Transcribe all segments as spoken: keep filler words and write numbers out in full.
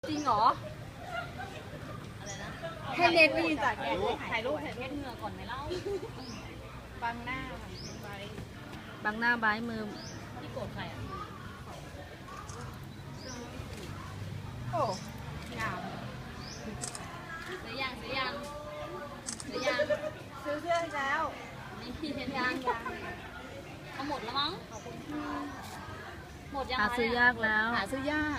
จริงเหรออะไรนะให้เน็ตไม่ยืนจากแกถ่ายรูปถ่ายรูปเหงื่อก่อนไหมเล่าบังหน้าบังหน้าบายมือที่โกรธใครอ่ะโอ้งามซื้อยังซื้อยังซื้อยังซื้อเสื้อแล้วนี่พี่เห็นยังยังเอาหมดแล้วมั้งหมดยังหาซื้อยากแล้วหาซื้อยาก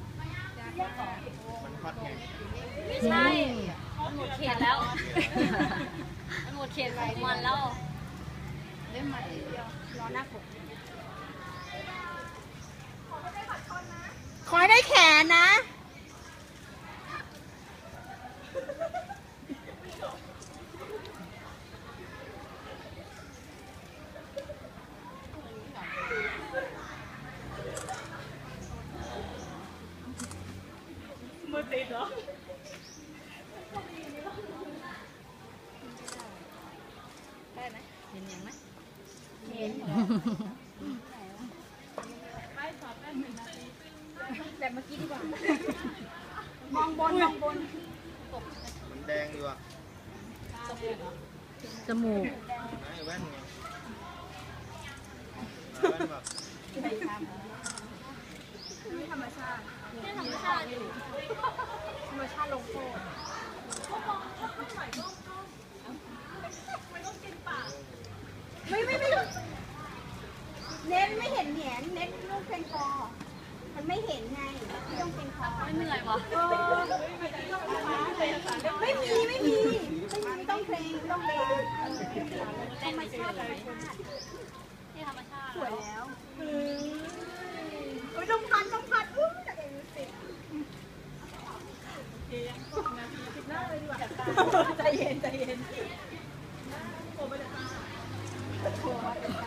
มันฮอตไงไม่ใช่มันหมดเขตแล้วมันหมดเขตของมันแล้วเล่นมาเดียวรอหน้าผมขอให้ได้แขนนะมือติดเหรอได้ไหมเห็นยังไหมเห็นแบบเมื่อกี้ดีกว่ามองบนมองบนมันแดงอยู่อ่ะจมูกไอ้แว่นไงแว่นแบบนี่ธรรมชาตินี่ธรรมชาติอยู่ธรรมชาติลงโทษไม่ไม่ไม่เน้นไม่เห็นแหนเน้นลูกเพลงคอมันไม่เห็นไงไม่ต้องเพลงคอไม่เหนื่อยวะไม่มีไม่มีไม่ต้องเพลงต้องเพลงธรรมชาติธรรมชาติที่ธรรมชาติสวยแล้วเฮ้ยต้องพันต้องพันอุ้ยจากเองสิใจเย็นใจเย็นโอ้ไม่ได้โอ้ไม่ได้